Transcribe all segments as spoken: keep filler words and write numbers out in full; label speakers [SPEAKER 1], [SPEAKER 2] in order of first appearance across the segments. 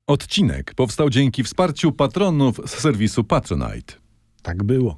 [SPEAKER 1] Odcinek powstał dzięki wsparciu patronów z serwisu Patronite.
[SPEAKER 2] Tak było.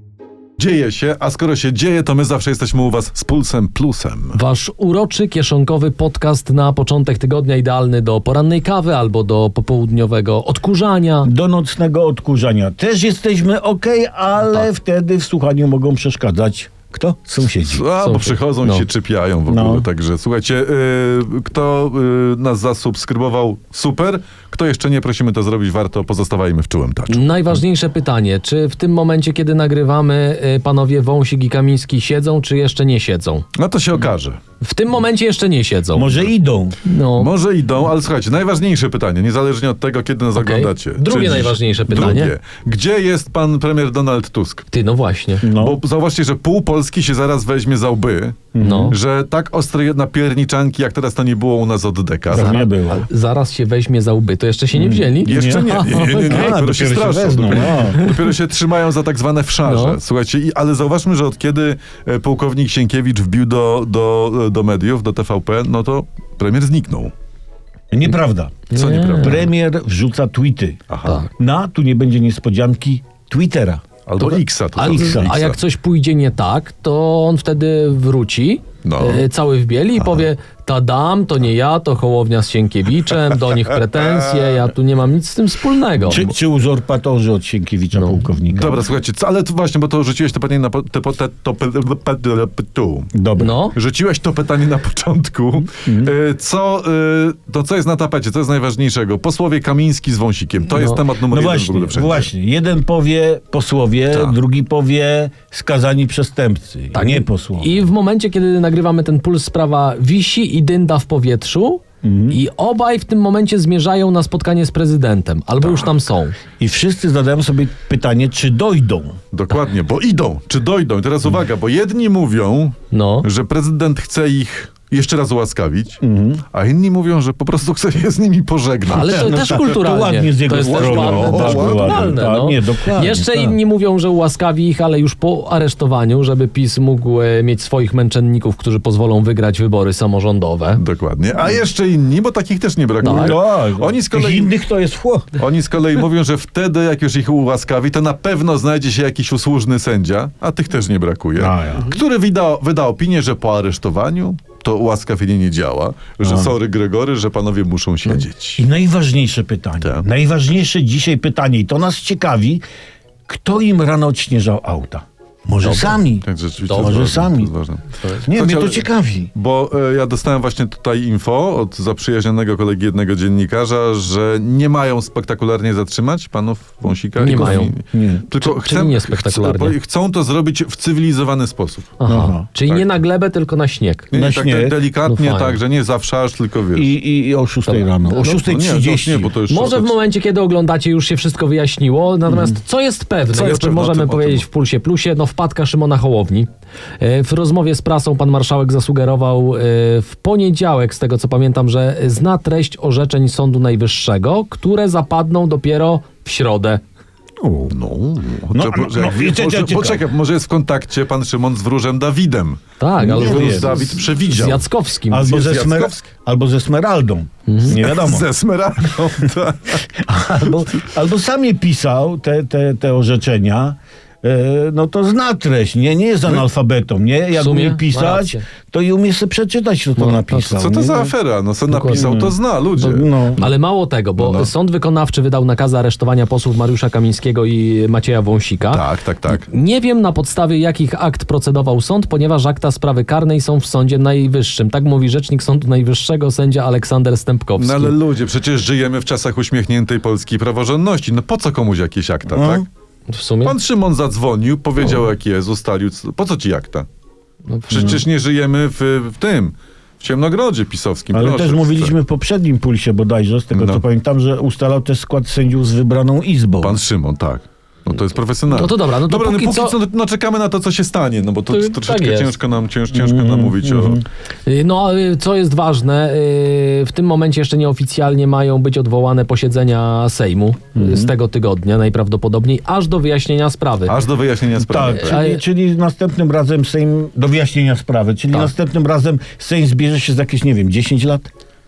[SPEAKER 1] Dzieje się, a skoro się dzieje, to my zawsze jesteśmy u was z Pulsem Plusem.
[SPEAKER 3] Wasz uroczy, kieszonkowy podcast na początek tygodnia, idealny do porannej kawy albo do popołudniowego odkurzania.
[SPEAKER 2] Do nocnego odkurzania też jesteśmy okej, ale
[SPEAKER 3] tak.
[SPEAKER 2] wtedy w słuchaniu mogą przeszkadzać kto? Sąsiedzi.
[SPEAKER 1] A, bo przychodzą
[SPEAKER 3] no.
[SPEAKER 1] i się czepiają w ogóle,
[SPEAKER 2] No.
[SPEAKER 1] także słuchajcie, yy, kto yy, nas zasubskrybował, super. Kto jeszcze nie, prosimy to zrobić, warto, pozostawajmy w czułym taczu.
[SPEAKER 3] Najważniejsze pytanie, czy w tym momencie, kiedy nagrywamy, y, panowie Wąsik i Kamiński siedzą, czy jeszcze nie siedzą?
[SPEAKER 1] No to się okaże.
[SPEAKER 3] W tym momencie jeszcze nie siedzą.
[SPEAKER 2] Może idą.
[SPEAKER 3] No.
[SPEAKER 1] Może idą, ale słuchajcie, najważniejsze pytanie, niezależnie od tego, kiedy nas
[SPEAKER 3] Okej.
[SPEAKER 1] oglądacie.
[SPEAKER 3] Drugie
[SPEAKER 1] Czy dziś-
[SPEAKER 3] najważniejsze pytanie.
[SPEAKER 1] Drugie. Gdzie jest pan premier Donald Tusk?
[SPEAKER 3] Ty, no właśnie.
[SPEAKER 2] No.
[SPEAKER 1] Bo zauważcie, że pół Polski się zaraz weźmie za łby,
[SPEAKER 3] No.
[SPEAKER 1] że tak ostre jedna pierniczanki, jak teraz to nie było u nas od dekad.
[SPEAKER 2] Tak nie było.
[SPEAKER 3] Zaraz się weźmie za łby. To jeszcze się nie wzięli?
[SPEAKER 1] Jeszcze nie, nie, nie, nie, nie.
[SPEAKER 2] A,
[SPEAKER 1] dopiero
[SPEAKER 2] dopiero
[SPEAKER 1] się
[SPEAKER 2] się
[SPEAKER 1] straszą.
[SPEAKER 2] wezmą,
[SPEAKER 1] dopiero,
[SPEAKER 2] no.
[SPEAKER 1] dopiero się trzymają za tak zwane wszarze.
[SPEAKER 3] No.
[SPEAKER 1] Słuchajcie, i, ale zauważmy, że od kiedy e, pułkownik Sienkiewicz wbił do, do, do mediów, do T V P, no to premier zniknął.
[SPEAKER 2] Nieprawda.
[SPEAKER 1] Co
[SPEAKER 3] Nie.
[SPEAKER 1] nieprawda?
[SPEAKER 2] Premier wrzuca tweety.
[SPEAKER 1] Aha.
[SPEAKER 3] Tak.
[SPEAKER 2] Na, tu nie będzie niespodzianki, Twittera.
[SPEAKER 1] Albo Xa. To
[SPEAKER 3] A,
[SPEAKER 1] tam jest
[SPEAKER 3] a
[SPEAKER 1] Xa.
[SPEAKER 3] jak coś pójdzie nie tak, to on wtedy wróci,
[SPEAKER 1] No.
[SPEAKER 3] e, cały w bieli i powie: tadam, to nie ja, to Hołownia z Sienkiewiczem, do nich pretensje, ja tu nie mam nic z tym wspólnego.
[SPEAKER 2] Czy, czy uzurpatorzy od Sienkiewicza
[SPEAKER 3] No.
[SPEAKER 2] pułkownika?
[SPEAKER 1] Dobra, słuchajcie, co, ale to właśnie, bo to rzuciłeś to pytanie na po, te, po, te, to, pe- pe- pe- pe- tu.
[SPEAKER 2] Dobra.
[SPEAKER 3] No,
[SPEAKER 1] Rzuciłeś to pytanie na początku. E, Co, e, to co jest na tapecie? Co jest najważniejszego? Posłowie Kamiński z Wąsikiem. To
[SPEAKER 3] No.
[SPEAKER 1] jest temat numer
[SPEAKER 2] No
[SPEAKER 1] jeden w
[SPEAKER 2] właśnie,
[SPEAKER 1] ogóle wszędzie.
[SPEAKER 2] właśnie. Jeden powie posłowie,
[SPEAKER 1] Tak.
[SPEAKER 2] drugi powie skazani przestępcy,
[SPEAKER 3] Tak.
[SPEAKER 2] nie posłowie.
[SPEAKER 3] i w momencie, kiedy nagrywamy ten puls, sprawa wisi i dynda w powietrzu i obaj w tym momencie zmierzają na spotkanie z prezydentem, albo już tam są.
[SPEAKER 2] I wszyscy zadają sobie pytanie, czy dojdą.
[SPEAKER 1] Dokładnie, bo idą. Czy dojdą? I teraz uwaga, bo jedni mówią,
[SPEAKER 3] No.
[SPEAKER 1] że prezydent chce ich jeszcze raz ułaskawić, a inni mówią, że po prostu chce się z nimi pożegnać.
[SPEAKER 3] Ale to
[SPEAKER 2] No
[SPEAKER 3] też
[SPEAKER 2] tak,
[SPEAKER 3] kulturalnie.
[SPEAKER 2] to ładnie z jego
[SPEAKER 3] to jest też
[SPEAKER 2] strony.
[SPEAKER 3] ładne,
[SPEAKER 2] O,
[SPEAKER 3] też
[SPEAKER 2] ładnie,
[SPEAKER 3] kulturalne.
[SPEAKER 2] tak,
[SPEAKER 3] No.
[SPEAKER 2] nie, dokładnie,
[SPEAKER 3] Jeszcze
[SPEAKER 2] tak.
[SPEAKER 3] inni mówią, że ułaskawi ich, ale już po aresztowaniu, żeby PiS mógł e, mieć swoich męczenników, którzy pozwolą wygrać wybory samorządowe.
[SPEAKER 1] Dokładnie. A jeszcze inni, bo takich też nie brakuje.
[SPEAKER 3] Tak.
[SPEAKER 2] Tak.
[SPEAKER 1] Oni z
[SPEAKER 2] Tych
[SPEAKER 1] kolei...
[SPEAKER 2] innych to jest chłop.
[SPEAKER 1] Oni z kolei mówią, że wtedy, jak już ich ułaskawi, to na pewno znajdzie się jakiś usłużny sędzia, a tych też nie brakuje,
[SPEAKER 2] A ja.
[SPEAKER 1] który wyda, wyda opinię, że po aresztowaniu to ułaskawienie nie działa, że sorry Gregory, że panowie muszą siedzieć.
[SPEAKER 2] I najważniejsze pytanie,
[SPEAKER 1] Tak.
[SPEAKER 2] najważniejsze dzisiaj pytanie, i to nas ciekawi, kto im rano odśnieżał auta? Może sami.
[SPEAKER 1] Tak, rzeczywiście
[SPEAKER 3] To
[SPEAKER 1] jest
[SPEAKER 2] może
[SPEAKER 1] ważne,
[SPEAKER 2] sami.
[SPEAKER 1] To jest ważne.
[SPEAKER 2] Nie,
[SPEAKER 1] Słuchajcie,
[SPEAKER 2] mnie to
[SPEAKER 1] ale-
[SPEAKER 2] ciekawi.
[SPEAKER 1] Bo e, ja dostałem właśnie tutaj info od zaprzyjaźnionego kolegi jednego dziennikarza, że nie mają spektakularnie zatrzymać panów Wąsika.
[SPEAKER 3] Nie
[SPEAKER 1] i
[SPEAKER 3] mają.
[SPEAKER 1] Kowalski.
[SPEAKER 2] Nie.
[SPEAKER 1] Tylko
[SPEAKER 3] Czy- czyli nie spektakularnie?
[SPEAKER 1] Chcą, chcą to zrobić w cywilizowany sposób.
[SPEAKER 3] Aha.
[SPEAKER 2] Aha,
[SPEAKER 3] Czyli
[SPEAKER 1] tak.
[SPEAKER 3] nie na glebę, tylko na śnieg.
[SPEAKER 1] Nie,
[SPEAKER 2] Na
[SPEAKER 1] tak, tak
[SPEAKER 2] śnieg.
[SPEAKER 1] delikatnie,
[SPEAKER 3] No fajnie.
[SPEAKER 1] tak, że nie zawsze aż tylko wiesz.
[SPEAKER 2] I, i, i o szóstej rano, o
[SPEAKER 1] No,
[SPEAKER 2] szóstej
[SPEAKER 1] no nie,
[SPEAKER 2] trzydzieści.
[SPEAKER 1] nie, bo to już
[SPEAKER 3] Może w momencie, kiedy oglądacie, już się wszystko wyjaśniło. Natomiast co jest pewne,
[SPEAKER 1] Co
[SPEAKER 3] i o
[SPEAKER 1] jest
[SPEAKER 3] czym
[SPEAKER 1] pewne? O
[SPEAKER 3] możemy
[SPEAKER 1] tym- o
[SPEAKER 3] powiedzieć
[SPEAKER 1] tym.
[SPEAKER 3] w Pulsie Plusie, no wpadka Szymona Hołowni. E, W rozmowie z prasą pan marszałek zasugerował e, w poniedziałek, z tego co pamiętam, że zna treść orzeczeń Sądu Najwyższego, które zapadną dopiero w środę.
[SPEAKER 1] No,
[SPEAKER 2] No,
[SPEAKER 1] to,
[SPEAKER 2] no,
[SPEAKER 1] że-
[SPEAKER 2] no,
[SPEAKER 1] jak-
[SPEAKER 2] wiecie,
[SPEAKER 1] może,
[SPEAKER 2] ciekawe.
[SPEAKER 1] poczekaj, może jest w kontakcie pan Szymon z wróżem Dawidem.
[SPEAKER 3] Tak, ale
[SPEAKER 2] Nie
[SPEAKER 3] z-
[SPEAKER 2] wiem.
[SPEAKER 1] Wróż Dawid
[SPEAKER 3] z
[SPEAKER 1] przewidział.
[SPEAKER 3] Jackowskim.
[SPEAKER 2] Albo
[SPEAKER 1] Jest
[SPEAKER 2] ze, Smer-
[SPEAKER 1] Jackowski.
[SPEAKER 2] albo ze Smeraldą. Nie wiadomo.
[SPEAKER 1] Ze Esmeraldą, tak.
[SPEAKER 2] Albo, albo sam je pisał te, te, te orzeczenia. E, no to zna treść, nie, nie jest analfabetą, nie? Jak
[SPEAKER 3] sumie
[SPEAKER 2] umie
[SPEAKER 3] ma
[SPEAKER 2] pisać,
[SPEAKER 3] rację.
[SPEAKER 2] to i umie sobie przeczytać, co to
[SPEAKER 3] No,
[SPEAKER 2] napisał.
[SPEAKER 1] Co to
[SPEAKER 2] nie?
[SPEAKER 1] za afera? No co
[SPEAKER 3] Dokładnie.
[SPEAKER 1] napisał, to zna, ludzie.
[SPEAKER 2] No.
[SPEAKER 3] Ale mało tego, bo
[SPEAKER 1] No, no.
[SPEAKER 3] Sąd Wykonawczy wydał nakazy aresztowania posłów Mariusza Kamińskiego i Macieja Wąsika.
[SPEAKER 1] Tak, tak, tak.
[SPEAKER 3] Nie wiem na podstawie jakich akt procedował sąd, ponieważ akta sprawy karnej są w Sądzie Najwyższym. Tak mówi rzecznik Sądu Najwyższego, sędzia Aleksander Stępkowski.
[SPEAKER 1] No ale ludzie, przecież żyjemy w czasach uśmiechniętej polskiej praworządności. No po co komuś jakieś akta,
[SPEAKER 2] No.
[SPEAKER 1] tak?
[SPEAKER 3] W sumie?
[SPEAKER 1] Pan Szymon zadzwonił, powiedział jak jest, ustalił. co- Po co ci akta?
[SPEAKER 3] No,
[SPEAKER 1] Przecież nie żyjemy w, w tym, w ciemnogrodzie pisowskim.
[SPEAKER 2] Ale
[SPEAKER 1] proszę,
[SPEAKER 2] też mówiliśmy w poprzednim pulsie bodajże, z tego
[SPEAKER 1] No.
[SPEAKER 2] co pamiętam, że ustalał też skład sędziów z wybraną izbą.
[SPEAKER 1] Pan Szymon, tak. No to jest profesjonalne.
[SPEAKER 3] No to dobra, no to
[SPEAKER 1] dobra,
[SPEAKER 3] póki
[SPEAKER 1] no póki
[SPEAKER 3] co-
[SPEAKER 1] co, no czekamy na to, co się stanie, no bo to,
[SPEAKER 3] To
[SPEAKER 1] to
[SPEAKER 3] tak
[SPEAKER 1] troszeczkę
[SPEAKER 3] jest.
[SPEAKER 1] ciężko nam, cięż, ciężko nam mówić o...
[SPEAKER 3] Y, No, a, y, co jest ważne, y, w tym momencie jeszcze nieoficjalnie mają być odwołane posiedzenia Sejmu y, z tego tygodnia najprawdopodobniej, aż do wyjaśnienia sprawy.
[SPEAKER 1] Aż do wyjaśnienia sprawy.
[SPEAKER 2] Tak,
[SPEAKER 3] Ale-
[SPEAKER 2] czyli, czyli następnym razem Sejm, do wyjaśnienia sprawy, czyli
[SPEAKER 3] Tak.
[SPEAKER 2] następnym razem Sejm zbierze się za jakieś, nie wiem, dziesięć lat?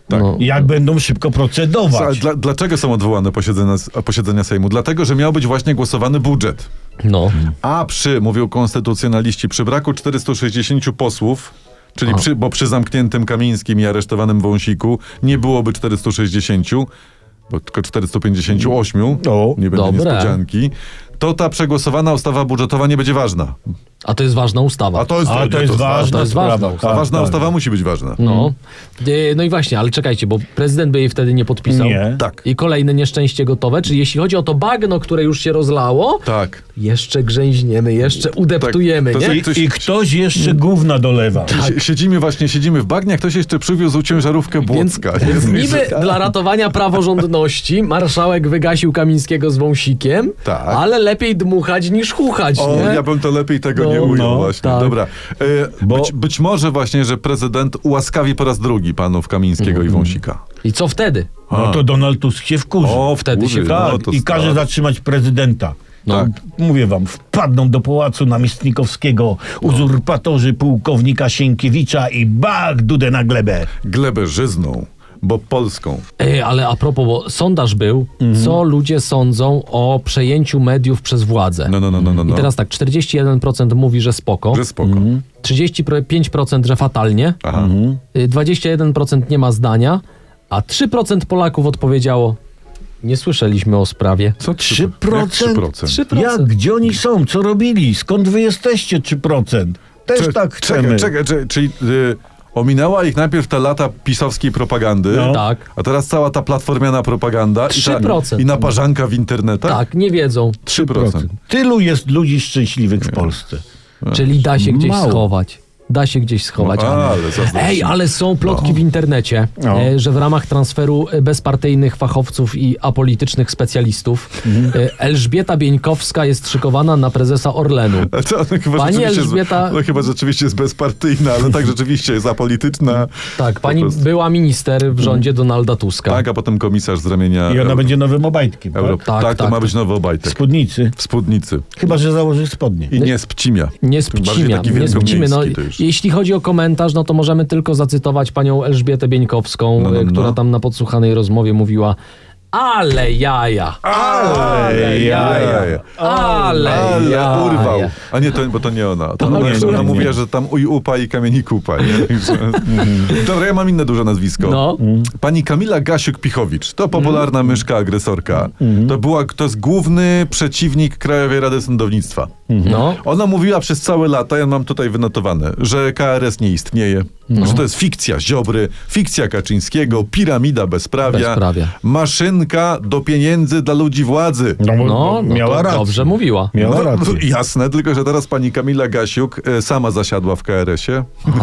[SPEAKER 1] Tak.
[SPEAKER 3] No.
[SPEAKER 2] Jak będą szybko
[SPEAKER 1] Ale
[SPEAKER 2] procedować.
[SPEAKER 1] dla, dlaczego są odwołane posiedzenia, posiedzenia Sejmu? Dlatego, że miał być właśnie głosowany budżet.
[SPEAKER 3] No.
[SPEAKER 1] A przy, mówią konstytucjonaliści, przy braku czterystu sześćdziesięciu posłów, czyli
[SPEAKER 3] A.
[SPEAKER 1] przy, bo przy zamkniętym Kamińskim i aresztowanym Wąsiku nie byłoby czterystu sześćdziesięciu, bo tylko czterystu pięćdziesięciu ośmiu,
[SPEAKER 2] O,
[SPEAKER 1] nie będzie
[SPEAKER 3] dobre.
[SPEAKER 1] niespodzianki, to ta przegłosowana ustawa budżetowa nie będzie ważna.
[SPEAKER 3] A to jest ważna ustawa.
[SPEAKER 1] A to jest,
[SPEAKER 2] A to jest ważna
[SPEAKER 3] to jest
[SPEAKER 2] sprawa.
[SPEAKER 3] ważna
[SPEAKER 2] tak,
[SPEAKER 1] Ta ważna
[SPEAKER 2] tak.
[SPEAKER 1] ustawa musi być ważna.
[SPEAKER 3] No. E, no i właśnie, ale czekajcie, bo prezydent by jej wtedy nie podpisał.
[SPEAKER 2] Nie.
[SPEAKER 1] Tak.
[SPEAKER 3] I kolejne nieszczęście gotowe. Czyli jeśli chodzi o to bagno, które już się rozlało,
[SPEAKER 1] Tak.
[SPEAKER 3] jeszcze grzęźniemy, jeszcze udeptujemy,
[SPEAKER 1] Tak. To
[SPEAKER 3] nie?
[SPEAKER 1] jest- Ktoś-
[SPEAKER 2] I ktoś jeszcze gówna dolewa.
[SPEAKER 1] Sie- Siedzimy właśnie, siedzimy w bagnie, a ktoś jeszcze przywiózł ciężarówkę
[SPEAKER 3] Więc,
[SPEAKER 1] Błocka.
[SPEAKER 3] więc
[SPEAKER 1] Nie?
[SPEAKER 3] niby dla ratowania praworządności marszałek wygasił Kamińskiego z Wąsikiem,
[SPEAKER 1] Tak.
[SPEAKER 3] ale lepiej dmuchać niż chuchać,
[SPEAKER 1] O,
[SPEAKER 3] nie?
[SPEAKER 1] ja bym to lepiej tego
[SPEAKER 3] No,
[SPEAKER 1] nie ujął
[SPEAKER 2] no,
[SPEAKER 1] właśnie.
[SPEAKER 3] tak.
[SPEAKER 1] Dobra. E,
[SPEAKER 2] Bo-
[SPEAKER 1] być, być może właśnie, że prezydent ułaskawi po raz drugi panów Kamińskiego
[SPEAKER 3] Mhm.
[SPEAKER 1] i Wąsika.
[SPEAKER 3] I co wtedy?
[SPEAKER 2] No to Donald Tusk się wkurzy.
[SPEAKER 1] O,
[SPEAKER 3] Wtedy się
[SPEAKER 1] wkurzy,
[SPEAKER 2] tak,
[SPEAKER 1] no to
[SPEAKER 2] i każe
[SPEAKER 1] stary.
[SPEAKER 2] zatrzymać prezydenta.
[SPEAKER 3] No.
[SPEAKER 1] Tak.
[SPEAKER 2] Mówię wam, wpadną do pałacu namiestnikowskiego uzurpatorzy pułkownika Sienkiewicza i bach, dudę na glebę.
[SPEAKER 1] Glebę żyzną, bo polską.
[SPEAKER 3] Ej, ale a propos, bo sondaż był, co ludzie sądzą o przejęciu mediów przez władzę.
[SPEAKER 1] No, no, no, no, no.
[SPEAKER 3] I
[SPEAKER 1] no.
[SPEAKER 3] teraz tak, czterdzieści jeden procent mówi, że spoko,
[SPEAKER 1] Że spoko.
[SPEAKER 3] trzydzieści pięć procent, że fatalnie,
[SPEAKER 1] Aha.
[SPEAKER 3] y, dwadzieścia jeden procent nie ma zdania, a trzy procent Polaków odpowiedziało, nie słyszeliśmy o sprawie.
[SPEAKER 1] Co?
[SPEAKER 2] trzy procent?
[SPEAKER 1] Jak trzy procent?
[SPEAKER 3] trzy procent.
[SPEAKER 2] Jak? Gdzie oni są? Co robili? Skąd wy jesteście trzy procent? Też
[SPEAKER 1] Cze-
[SPEAKER 2] tak chcemy.
[SPEAKER 1] Czekaj, czekaj, czekaj, czyli y, ominęła ich najpierw te lata pisowskiej propagandy,
[SPEAKER 2] No.
[SPEAKER 3] Tak,
[SPEAKER 1] a teraz cała ta platformiana propaganda i,
[SPEAKER 3] trzy
[SPEAKER 1] ta,
[SPEAKER 3] procent.
[SPEAKER 1] i naparzanka w internetach?
[SPEAKER 3] tak, nie wiedzą.
[SPEAKER 1] trzy procent.
[SPEAKER 2] Tylu jest ludzi szczęśliwych w Polsce.
[SPEAKER 3] Czyli da się gdzieś
[SPEAKER 2] Mało.
[SPEAKER 3] schować. Da się gdzieś schować.
[SPEAKER 1] No, ale zazdrościmy.
[SPEAKER 3] Ej, ale są plotki w internecie,
[SPEAKER 2] No.
[SPEAKER 3] e, że w ramach transferu e, bezpartyjnych fachowców i apolitycznych specjalistów e, Elżbieta Bieńkowska jest szykowana na prezesa Orlenu.
[SPEAKER 1] Ale to ona chyba
[SPEAKER 3] Pani
[SPEAKER 1] rzeczywiście
[SPEAKER 3] Elżbieta-
[SPEAKER 1] Jest, no chyba rzeczywiście jest bezpartyjna, ale tak rzeczywiście jest apolityczna.
[SPEAKER 3] Tak, pani
[SPEAKER 1] Po prostu.
[SPEAKER 3] była minister w rządzie Donalda Tuska.
[SPEAKER 1] Tak, a potem komisarz z ramienia
[SPEAKER 2] I ona
[SPEAKER 1] Euro-
[SPEAKER 2] będzie nowym obajtkiem, tak?
[SPEAKER 1] Euro...
[SPEAKER 3] Tak,
[SPEAKER 1] Tak, to
[SPEAKER 3] tak,
[SPEAKER 1] ma
[SPEAKER 3] tak.
[SPEAKER 1] być nowy
[SPEAKER 2] W
[SPEAKER 1] obajtek.
[SPEAKER 2] spódnicy.
[SPEAKER 1] W spódnicy.
[SPEAKER 2] Chyba, że założy spodnie.
[SPEAKER 1] I nie z Pcimia.
[SPEAKER 3] Nie z
[SPEAKER 1] Bardziej
[SPEAKER 3] Pcimia,
[SPEAKER 1] taki
[SPEAKER 3] nie z Pcimy. No,
[SPEAKER 1] wielkomiejski to już.
[SPEAKER 3] jeśli chodzi o komentarz, no to możemy tylko zacytować panią Elżbietę Bieńkowską,
[SPEAKER 1] No, no,
[SPEAKER 3] e,
[SPEAKER 1] no.
[SPEAKER 3] która tam na podsłuchanej rozmowie mówiła: ale jaja,
[SPEAKER 2] Ale jaja.
[SPEAKER 3] ale,
[SPEAKER 1] Ale
[SPEAKER 3] jaja.
[SPEAKER 1] urwał. A nie, to, bo to nie ona. To
[SPEAKER 3] To
[SPEAKER 1] ona,
[SPEAKER 3] nie,
[SPEAKER 1] ona
[SPEAKER 2] nie, nie.
[SPEAKER 1] mówiła, że tam uj upa i kamieni kupa. Nie? Także- Dobra, ja mam inne duże nazwisko.
[SPEAKER 3] No.
[SPEAKER 1] Pani Kamila Gasiuk-Pichowicz. To popularna myszka agresorka.
[SPEAKER 3] Mhm.
[SPEAKER 1] To, była, to jest główny przeciwnik Krajowej Rady Sądownictwa.
[SPEAKER 3] No.
[SPEAKER 1] Ona mówiła przez całe lata, ja mam tutaj wynotowane, że K R S nie istnieje,
[SPEAKER 3] No.
[SPEAKER 1] że to jest fikcja Ziobry, fikcja Kaczyńskiego, piramida bezprawia,
[SPEAKER 3] Bezprawia.
[SPEAKER 1] maszynka do pieniędzy dla ludzi władzy.
[SPEAKER 2] No, bo,
[SPEAKER 3] No,
[SPEAKER 2] bo
[SPEAKER 3] no
[SPEAKER 2] miała
[SPEAKER 3] to
[SPEAKER 2] rację.
[SPEAKER 3] dobrze mówiła.
[SPEAKER 2] Miała
[SPEAKER 1] No,
[SPEAKER 2] rację.
[SPEAKER 1] jasne, tylko że teraz pani Kamila Gasiuk e, sama zasiadła w K R S ie.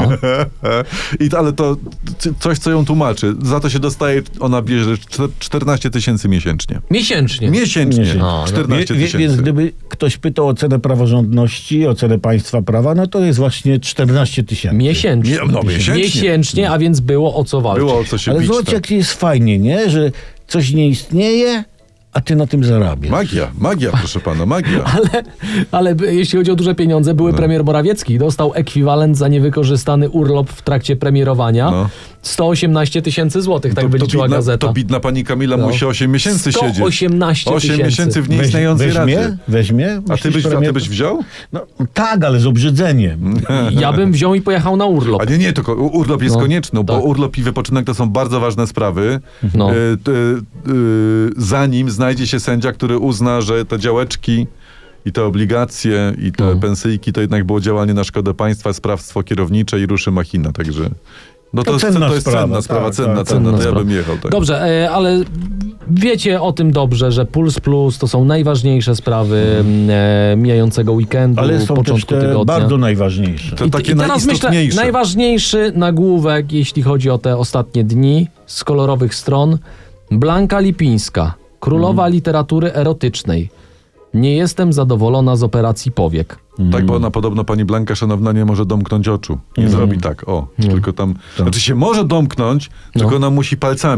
[SPEAKER 1] I, to- ale to c- coś, co ją tłumaczy. Za to się dostaje, ona bierze czter- czternaście tysięcy miesięcznie.
[SPEAKER 3] Miesięcznie.
[SPEAKER 1] Miesięcznie.
[SPEAKER 2] Miesięcznie.
[SPEAKER 3] No, no.
[SPEAKER 1] czternaście
[SPEAKER 2] Wie, wie,
[SPEAKER 1] tysięcy.
[SPEAKER 2] więc gdyby ktoś pytał o cenę praworządności, o cenę państwa prawa, no to jest właśnie czternaście tysięcy.
[SPEAKER 3] Miesięcznie.
[SPEAKER 1] Nie, no, miesięcznie.
[SPEAKER 3] Miesięcznie, a więc było o co walczyć.
[SPEAKER 1] Było o co się
[SPEAKER 2] Ale
[SPEAKER 1] bić.
[SPEAKER 2] zobacz,
[SPEAKER 1] tak.
[SPEAKER 2] jak jest fajnie, nie? Że coś nie istnieje, a ty na tym zarabiasz.
[SPEAKER 1] Magia, magia, proszę pana, magia.
[SPEAKER 3] Ale, ale b- jeśli chodzi o duże pieniądze,
[SPEAKER 1] No.
[SPEAKER 3] były premier Morawiecki. Dostał ekwiwalent za niewykorzystany urlop w trakcie premierowania.
[SPEAKER 1] No.
[SPEAKER 3] sto osiemnaście tysięcy złotych, tak wyliczyła
[SPEAKER 1] bidna,
[SPEAKER 3] gazeta.
[SPEAKER 1] to bidna pani Kamila
[SPEAKER 3] No.
[SPEAKER 1] musi osiem miesięcy
[SPEAKER 3] sto
[SPEAKER 1] siedzieć.
[SPEAKER 3] osiemnaście
[SPEAKER 1] osiem
[SPEAKER 3] tysięcy.
[SPEAKER 1] miesięcy w
[SPEAKER 2] Weź,
[SPEAKER 1] nieistniejącej
[SPEAKER 2] weźmie?
[SPEAKER 1] radzie.
[SPEAKER 2] Weźmie?
[SPEAKER 1] A ty,
[SPEAKER 2] Myślisz,
[SPEAKER 1] byś, a ty
[SPEAKER 2] premier-
[SPEAKER 1] byś wziął?
[SPEAKER 2] No, tak, ale z obrzydzeniem.
[SPEAKER 3] Ja bym wziął i pojechał na urlop.
[SPEAKER 1] A nie, nie, tylko u- urlop jest
[SPEAKER 3] No,
[SPEAKER 1] konieczny, bo
[SPEAKER 3] tak.
[SPEAKER 1] urlop i wypoczynek to są bardzo ważne sprawy.
[SPEAKER 3] No.
[SPEAKER 1] E, t- e, zanim znajdzie się sędzia, który uzna, że te działeczki i te obligacje i te
[SPEAKER 3] No.
[SPEAKER 1] pensyjki to jednak było działanie na szkodę państwa, sprawstwo kierownicze i ruszy machina, także... No to,
[SPEAKER 2] To
[SPEAKER 1] jest,
[SPEAKER 2] cenna
[SPEAKER 1] to jest
[SPEAKER 2] sprawa,
[SPEAKER 1] cenna sprawa,
[SPEAKER 2] tak,
[SPEAKER 1] cenna,
[SPEAKER 2] tak,
[SPEAKER 1] cenna,
[SPEAKER 3] cenna
[SPEAKER 1] to ja
[SPEAKER 3] sprawa.
[SPEAKER 1] bym jechał. Tak.
[SPEAKER 3] Dobrze, e, ale wiecie o tym dobrze, że Puls Plus to są najważniejsze sprawy e, mijającego weekendu,
[SPEAKER 2] Ale są też
[SPEAKER 3] początku
[SPEAKER 2] te
[SPEAKER 3] tygodnia.
[SPEAKER 2] bardzo najważniejsze.
[SPEAKER 1] To
[SPEAKER 3] I,
[SPEAKER 1] takie
[SPEAKER 3] I teraz myślę,
[SPEAKER 1] najistotniejsze.
[SPEAKER 3] najważniejszy nagłówek, jeśli chodzi o te ostatnie dni z kolorowych stron. Blanka Lipińska, królowa
[SPEAKER 1] Mhm.
[SPEAKER 3] literatury erotycznej. Nie jestem zadowolona z operacji powiek.
[SPEAKER 1] Tak, bo ona podobno, pani Blanka Szanowna, nie może domknąć oczu. Nie zrobi tak, o. Tylko tam... Znaczy się może domknąć, tylko ona musi palcami.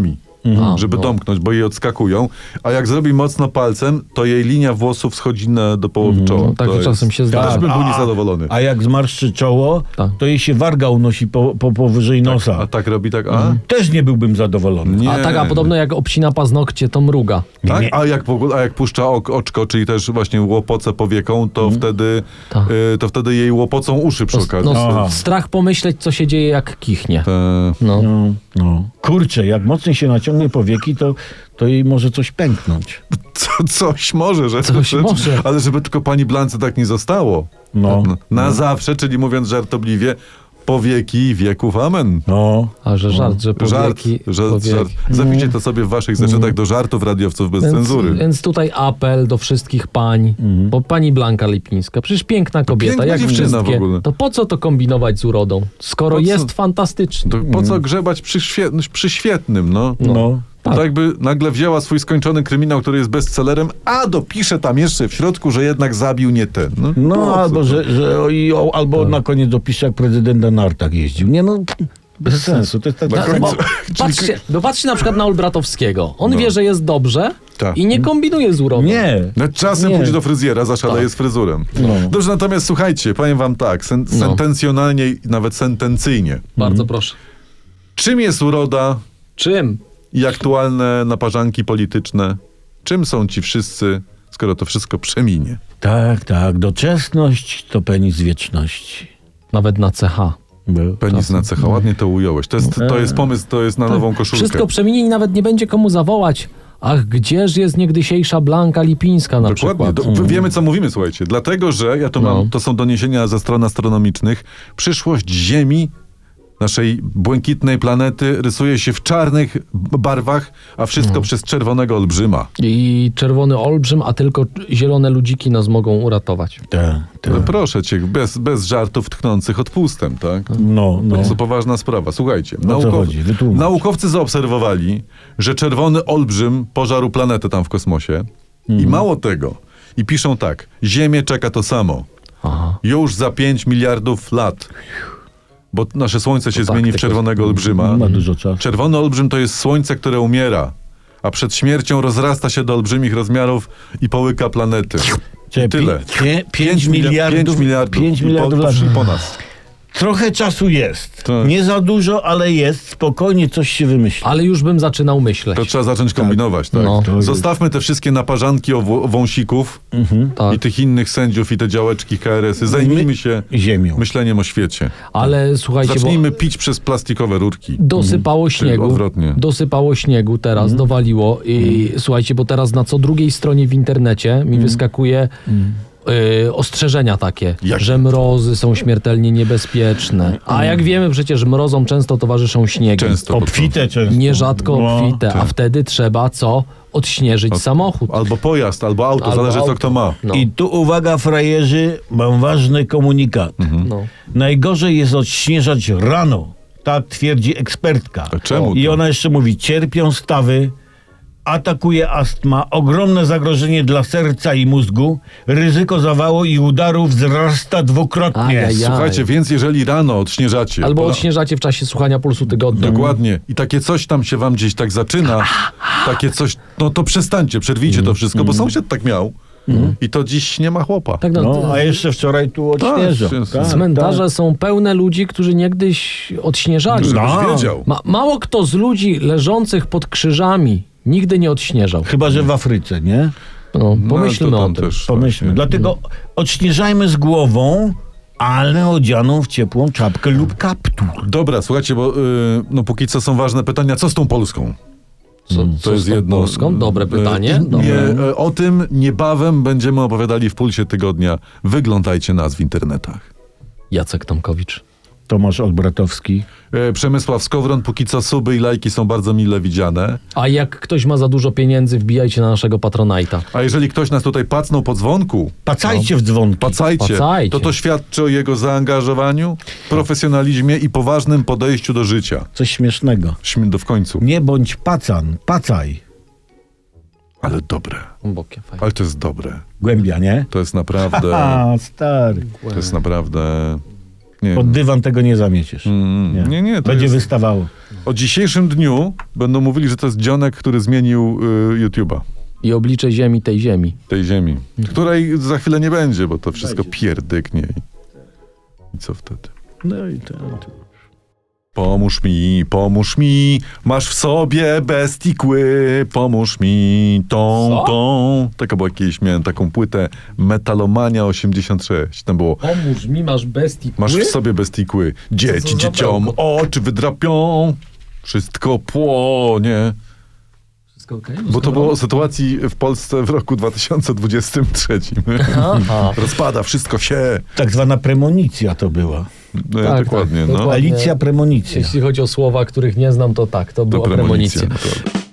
[SPEAKER 3] A,
[SPEAKER 1] żeby
[SPEAKER 3] no.
[SPEAKER 1] domknąć, bo jej odskakują, a jak zrobi mocno palcem, to jej linia włosów schodzi na, do połowy czoła.
[SPEAKER 3] tak
[SPEAKER 1] To
[SPEAKER 3] czasem się zdarza.
[SPEAKER 1] Też bym był
[SPEAKER 2] A-
[SPEAKER 1] niezadowolony.
[SPEAKER 2] A jak zmarszczy czoło,
[SPEAKER 3] Tak.
[SPEAKER 2] to jej się warga unosi po, po, powyżej nosa.
[SPEAKER 1] A tak robi tak, a?
[SPEAKER 2] Też nie byłbym zadowolony.
[SPEAKER 1] Nie.
[SPEAKER 3] A tak, a podobno jak obcina paznokcie, to mruga.
[SPEAKER 1] Tak?
[SPEAKER 2] Nie.
[SPEAKER 1] A jak w ogóle, a jak puszcza ok, oczko, czyli też właśnie łopoce powieką, to wtedy
[SPEAKER 3] Tak.
[SPEAKER 1] y, to wtedy jej łopocą uszy przy okazji.
[SPEAKER 3] No,
[SPEAKER 2] Aha.
[SPEAKER 3] strach pomyśleć, co się dzieje, jak kichnie.
[SPEAKER 1] Te-
[SPEAKER 3] No.
[SPEAKER 2] No, no. Kurczę, jak mocniej się naciągnie powieki, to, to jej może coś pęknąć.
[SPEAKER 1] Co, coś może, że
[SPEAKER 3] Coś
[SPEAKER 1] że,
[SPEAKER 3] może.
[SPEAKER 1] ale żeby tylko pani Blance tak nie zostało.
[SPEAKER 2] No.
[SPEAKER 1] Na zawsze, czyli mówiąc żartobliwie, powieki wieków amen.
[SPEAKER 2] No.
[SPEAKER 3] A że żart, że
[SPEAKER 1] Żart,
[SPEAKER 3] powieki...
[SPEAKER 1] żart,
[SPEAKER 3] powieki.
[SPEAKER 1] żart. Zapiszcie to sobie w waszych zeszytach do żartów radiowców bez
[SPEAKER 3] Więc,
[SPEAKER 1] cenzury.
[SPEAKER 3] więc tutaj apel do wszystkich pań, bo pani Blanka Lipińska, przecież piękna kobieta,
[SPEAKER 1] piękna
[SPEAKER 3] jak
[SPEAKER 1] dziewczyna
[SPEAKER 3] wszystkie,
[SPEAKER 1] w ogóle.
[SPEAKER 3] to po co to kombinować z urodą, skoro
[SPEAKER 1] Po co?
[SPEAKER 3] jest fantastyczny?
[SPEAKER 1] To po co grzebać przy, świet, przy świetnym, no?
[SPEAKER 2] No.
[SPEAKER 1] To tak jakby nagle wzięła swój skończony kryminał, który jest bestsellerem, a dopisze tam jeszcze w środku, że jednak zabił nie ten. No,
[SPEAKER 2] No,
[SPEAKER 1] po co
[SPEAKER 2] albo,
[SPEAKER 1] to?
[SPEAKER 2] że, że, o, i, o, albo na koniec dopisze, jak prezydent na nartach jeździł. Nie no, bez sensu. To jest tak,
[SPEAKER 1] Na
[SPEAKER 2] tak,
[SPEAKER 1] końcu-
[SPEAKER 3] Bo, patrzcie, no patrzcie na przykład na Olbratowskiego. On
[SPEAKER 1] No.
[SPEAKER 3] wie, że jest dobrze
[SPEAKER 1] Tak.
[SPEAKER 3] i nie kombinuje z urodą.
[SPEAKER 2] Nie.
[SPEAKER 1] No, czasem
[SPEAKER 2] Nie.
[SPEAKER 1] pójdzie do fryzjera, zaszaleje
[SPEAKER 3] Tak.
[SPEAKER 1] z fryzurem.
[SPEAKER 2] No.
[SPEAKER 1] Dobrze, natomiast słuchajcie, powiem wam tak, sen,
[SPEAKER 3] No.
[SPEAKER 1] sentencjonalnie i nawet sentencyjnie.
[SPEAKER 3] Bardzo proszę.
[SPEAKER 1] Czym jest uroda
[SPEAKER 3] Czym?
[SPEAKER 1] i aktualne naparzanki polityczne? Czym są ci wszyscy, skoro to wszystko przeminie?
[SPEAKER 2] Tak, tak. Doczesność to penis wieczności.
[SPEAKER 3] Nawet na C H.
[SPEAKER 2] Był.
[SPEAKER 1] Penis na cecha, ładnie to ująłeś. To jest, to jest pomysł, to jest na nową koszulkę.
[SPEAKER 3] Wszystko przeminie i nawet nie będzie komu zawołać. Ach, gdzież jest niegdysiejsza Blanka Lipińska na
[SPEAKER 1] Dokładnie.
[SPEAKER 3] przykład.
[SPEAKER 1] Do, wiemy, co mówimy, słuchajcie. Dlatego, że ja to
[SPEAKER 3] No.
[SPEAKER 1] mam, to są doniesienia ze stron astronomicznych. Przyszłość Ziemi, naszej błękitnej planety, rysuje się w czarnych b- barwach, a wszystko przez czerwonego olbrzyma.
[SPEAKER 3] I czerwony olbrzym, a tylko zielone ludziki nas mogą uratować.
[SPEAKER 2] Tak, tak.
[SPEAKER 1] No, proszę cię, bez, bez żartów tchnących odpustem, tak?
[SPEAKER 2] No, no.
[SPEAKER 1] To poważna sprawa. Słuchajcie,
[SPEAKER 2] O co chodzi? Wytłumacz.
[SPEAKER 1] naukowcy zaobserwowali, że czerwony olbrzym pożarł planetę tam w kosmosie.
[SPEAKER 2] Mhm.
[SPEAKER 1] I mało tego. I piszą tak, Ziemię czeka to samo.
[SPEAKER 3] Aha.
[SPEAKER 1] Już za pięć miliardów lat. Bo nasze Słońce się
[SPEAKER 3] tak,
[SPEAKER 1] zmieni w
[SPEAKER 3] tylko-
[SPEAKER 1] czerwonego olbrzyma.
[SPEAKER 2] Ma dużo czasu.
[SPEAKER 1] Czerwony olbrzym to jest Słońce, które umiera, a przed śmiercią rozrasta się do olbrzymich rozmiarów i połyka planety.
[SPEAKER 2] Cze-
[SPEAKER 1] I tyle.
[SPEAKER 2] Pie, pięć miliardów,
[SPEAKER 1] pięć miliardów.
[SPEAKER 2] pięć
[SPEAKER 1] I po-
[SPEAKER 2] miliardów lat.
[SPEAKER 1] poszli po nas.
[SPEAKER 2] Trochę czasu jest.
[SPEAKER 1] Tak.
[SPEAKER 2] Nie za dużo, ale jest. Spokojnie coś się wymyśli.
[SPEAKER 3] Ale już bym zaczynał myśleć.
[SPEAKER 1] To trzeba zacząć kombinować, tak?
[SPEAKER 3] No.
[SPEAKER 2] To jest-
[SPEAKER 1] Zostawmy te wszystkie naparzanki o wą- wąsików
[SPEAKER 3] Tak.
[SPEAKER 1] i tych innych sędziów i te działeczki K R S-y. Zajmijmy się
[SPEAKER 2] Ziemią.
[SPEAKER 1] myśleniem o świecie.
[SPEAKER 3] Ale słuchajcie, bo
[SPEAKER 1] Zacznijmy pić przez plastikowe rurki.
[SPEAKER 3] dosypało śniegu.
[SPEAKER 1] odwrotnie.
[SPEAKER 3] Dosypało śniegu teraz, dowaliło. I słuchajcie, bo teraz na co drugiej stronie w internecie mi wyskakuje y, ostrzeżenia takie,
[SPEAKER 1] Jakie?
[SPEAKER 3] że mrozy są śmiertelnie niebezpieczne. A jak wiemy, przecież mrozom często towarzyszą śniegi.
[SPEAKER 1] Często.
[SPEAKER 2] Obfite często.
[SPEAKER 3] Nierzadko
[SPEAKER 2] No,
[SPEAKER 3] obfite, a wtedy trzeba co? Odśnieżyć samochód.
[SPEAKER 1] Albo pojazd, albo auto,
[SPEAKER 3] Albo
[SPEAKER 1] zależy co
[SPEAKER 3] auto.
[SPEAKER 1] kto ma.
[SPEAKER 3] No.
[SPEAKER 2] I tu uwaga, frajerzy, mam ważny komunikat.
[SPEAKER 3] No.
[SPEAKER 2] Najgorzej jest odśnieżać rano. Tak twierdzi ekspertka.
[SPEAKER 1] A czemu
[SPEAKER 2] I
[SPEAKER 1] to?
[SPEAKER 2] ona jeszcze mówi, cierpią stawy, atakuje astma, ogromne zagrożenie dla serca i mózgu, ryzyko zawału i udarów wzrasta dwukrotnie.
[SPEAKER 3] Ajajaj.
[SPEAKER 1] Słuchajcie, więc jeżeli rano odśnieżacie...
[SPEAKER 3] Albo
[SPEAKER 1] pola-
[SPEAKER 3] odśnieżacie w czasie słuchania Pulsu Tygodnia.
[SPEAKER 1] Dokładnie. I takie coś tam się wam gdzieś tak zaczyna, takie coś, no to przestańcie, przerwijcie to wszystko, bo sąsiad tak miał i to dziś nie ma chłopa.
[SPEAKER 3] Tak, no,
[SPEAKER 2] No, a jeszcze wczoraj tu odśnieżał.
[SPEAKER 1] jest-
[SPEAKER 2] Tak,
[SPEAKER 3] Cmentarze są pełne ludzi, którzy niegdyś odśnieżali.
[SPEAKER 1] Żebyś
[SPEAKER 2] No.
[SPEAKER 1] wiedział.
[SPEAKER 3] Ma, mało kto z ludzi leżących pod krzyżami nigdy nie odśnieżał.
[SPEAKER 2] Chyba, że w Afryce, nie?
[SPEAKER 3] No, pomyślmy
[SPEAKER 1] No, to
[SPEAKER 3] o
[SPEAKER 1] tam
[SPEAKER 3] tym.
[SPEAKER 1] też
[SPEAKER 2] Pomyślmy.
[SPEAKER 1] właśnie.
[SPEAKER 2] Dlatego odśnieżajmy z głową, ale odzianą w ciepłą czapkę lub kaptur.
[SPEAKER 1] Dobra, słuchajcie, bo y, no póki co są ważne pytania, co z tą Polską?
[SPEAKER 3] Co,
[SPEAKER 1] To
[SPEAKER 3] co
[SPEAKER 1] jest
[SPEAKER 3] z tą
[SPEAKER 1] jedno.
[SPEAKER 3] Polską? Dobre pytanie.
[SPEAKER 1] Y,
[SPEAKER 3] Dobre.
[SPEAKER 1] Nie, y, o tym niebawem będziemy opowiadali w Pulsie Tygodnia. Wyglądajcie nas w internetach.
[SPEAKER 3] Jacek Tomkowicz.
[SPEAKER 2] Tomasz Olbratowski.
[SPEAKER 1] Y, Przemysław Skowron, póki co suby i lajki są bardzo mile widziane.
[SPEAKER 3] A jak ktoś ma za dużo pieniędzy, wbijajcie na naszego Patronite'a.
[SPEAKER 1] A jeżeli ktoś nas tutaj pacnął po dzwonku,
[SPEAKER 2] Pacajcie w dzwonki.
[SPEAKER 1] pacajcie,
[SPEAKER 3] Pacajcie.
[SPEAKER 1] to to świadczy o jego zaangażowaniu, profesjonalizmie i poważnym podejściu do życia.
[SPEAKER 2] Coś śmiesznego.
[SPEAKER 1] Śmiem do w końcu.
[SPEAKER 2] Nie bądź pacan, pacaj.
[SPEAKER 1] Ale dobre.
[SPEAKER 3] Bokie, fajnie.
[SPEAKER 1] Ale to jest dobre.
[SPEAKER 2] Głębia, nie?
[SPEAKER 1] To jest naprawdę...
[SPEAKER 2] A, stary.
[SPEAKER 1] To jest naprawdę Nie.
[SPEAKER 2] Pod dywan tego nie zamiecisz.
[SPEAKER 1] Mm, nie, nie, to
[SPEAKER 2] Będzie
[SPEAKER 1] jest...
[SPEAKER 2] wystawało.
[SPEAKER 1] O dzisiejszym dniu będą mówili, że to jest dzionek, który zmienił y, YouTube'a.
[SPEAKER 3] I oblicze ziemi tej ziemi.
[SPEAKER 1] Tej ziemi. Której za chwilę nie będzie, bo to wszystko pierdyknie. I co wtedy?
[SPEAKER 2] No i to...
[SPEAKER 1] Pomóż mi, pomóż mi, masz w sobie bestii kły, pomóż mi, tą,
[SPEAKER 3] Co?
[SPEAKER 1] tą. Taka była kiedyś, miałem taką płytę Metalomania osiemdziesiąt sześć. Tam było,
[SPEAKER 3] Pomóż mi, masz bestii
[SPEAKER 1] masz w sobie bestii kły, dzieci
[SPEAKER 3] za
[SPEAKER 1] dzieciom
[SPEAKER 3] bełko?
[SPEAKER 1] oczy wydrapią, wszystko płonie.
[SPEAKER 3] Wszystko okej?
[SPEAKER 1] Bo to było o sytuacji w Polsce w roku dwa tysiące dwudziestym trzecim.
[SPEAKER 3] Aha.
[SPEAKER 1] Rozpada wszystko się.
[SPEAKER 2] Tak zwana premonicja to była.
[SPEAKER 1] No,
[SPEAKER 3] Tak,
[SPEAKER 1] dokładnie,
[SPEAKER 3] tak,
[SPEAKER 1] no.
[SPEAKER 3] dokładnie.
[SPEAKER 2] Alicja premonicja.
[SPEAKER 3] Jeśli chodzi o słowa, których nie znam, to tak, to
[SPEAKER 1] To
[SPEAKER 3] była
[SPEAKER 1] premonicja.
[SPEAKER 3] premonicja.
[SPEAKER 1] naprawdę.